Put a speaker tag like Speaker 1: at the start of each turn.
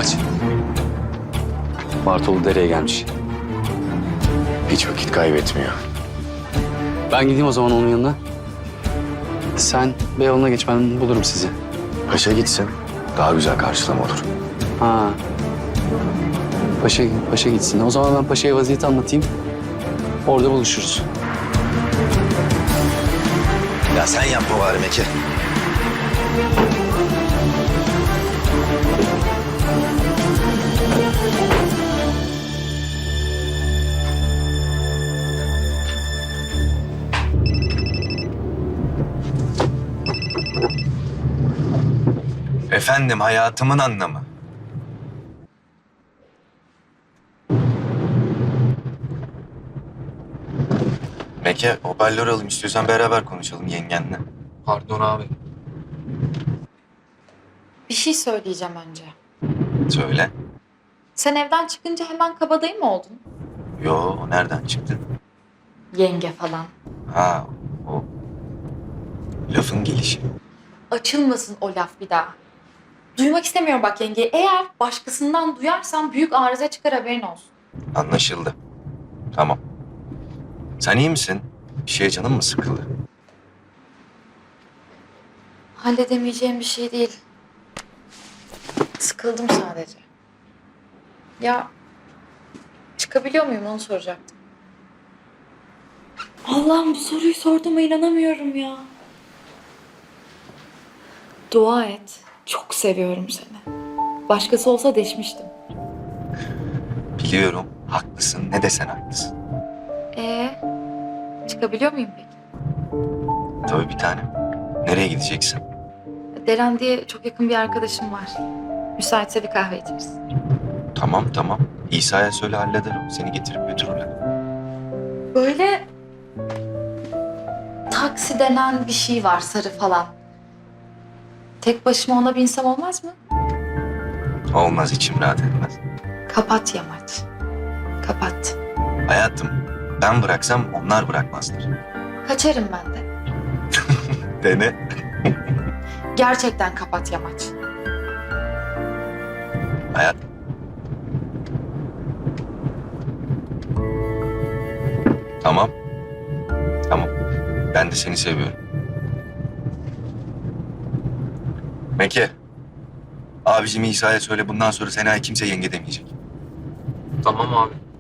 Speaker 1: Yamaç. Bartolu dereye gelmiş.
Speaker 2: Hiç vakit kaybetmiyor.
Speaker 1: Ben gideyim o zaman onun yanına. Sen Beyoğlu'na geç, ben bulurum sizi.
Speaker 2: Paşa gitsin. Daha güzel karşılama olur.
Speaker 1: Ha. Paşa gitsin. O zaman ben Paşa'ya vaziyeti anlatayım. Orada buluşuruz.
Speaker 2: Ya sen yapma bari Meki.
Speaker 3: Efendim, hayatımın anlamı. Meke, hoparlör alayım istiyorsan beraber konuşalım yengenle.
Speaker 4: Pardon abi.
Speaker 5: Bir şey söyleyeceğim önce.
Speaker 3: Söyle.
Speaker 5: Sen evden çıkınca hemen kabadayı mı oldun?
Speaker 3: Yo, o nereden çıktı?
Speaker 5: Yenge falan.
Speaker 3: Ha, o lafın gelişi.
Speaker 5: Açılmasın o laf bir daha. Duymak istemiyorum bak yenge. Eğer başkasından duyarsan büyük arıza çıkar, haberin olsun.
Speaker 3: Anlaşıldı. Tamam. Sen iyi misin? Bir şeye canın mı sıkıldı?
Speaker 5: Halledemeyeceğim bir şey değil. Sıkıldım sadece. Ya çıkabiliyor muyum onu soracaktım. Allah'ım, bu soruyu sorduğuma inanamıyorum ya. Dua et. Çok seviyorum seni. Başkası olsa deşmiştim.
Speaker 3: Biliyorum, haklısın. Ne desen haklısın.
Speaker 5: Çıkabiliyor muyum peki?
Speaker 3: Tabii bir tanem. Nereye gideceksin?
Speaker 5: Deren diye çok yakın bir arkadaşım var. Müsaitse bir kahve içeriz.
Speaker 3: Tamam. İsa'ya söyle halleder o. Seni getirip götürürler.
Speaker 5: Böyle taksi denen bir şey var, sarı falan. Tek başıma ona binsem olmaz mı?
Speaker 3: Olmaz, içim rahat etmez.
Speaker 5: Kapat Yamaç. Kapat.
Speaker 3: Hayatım, ben bıraksam onlar bırakmazlar.
Speaker 5: Kaçarım ben de.
Speaker 3: Dene.
Speaker 5: Gerçekten kapat Yamaç.
Speaker 3: Hayat. Tamam. Ben de seni seviyorum. Meke. Abicim İsa'ya söyle bundan sonra Sena'ya kimse yenge demeyecek.
Speaker 4: Tamam abi.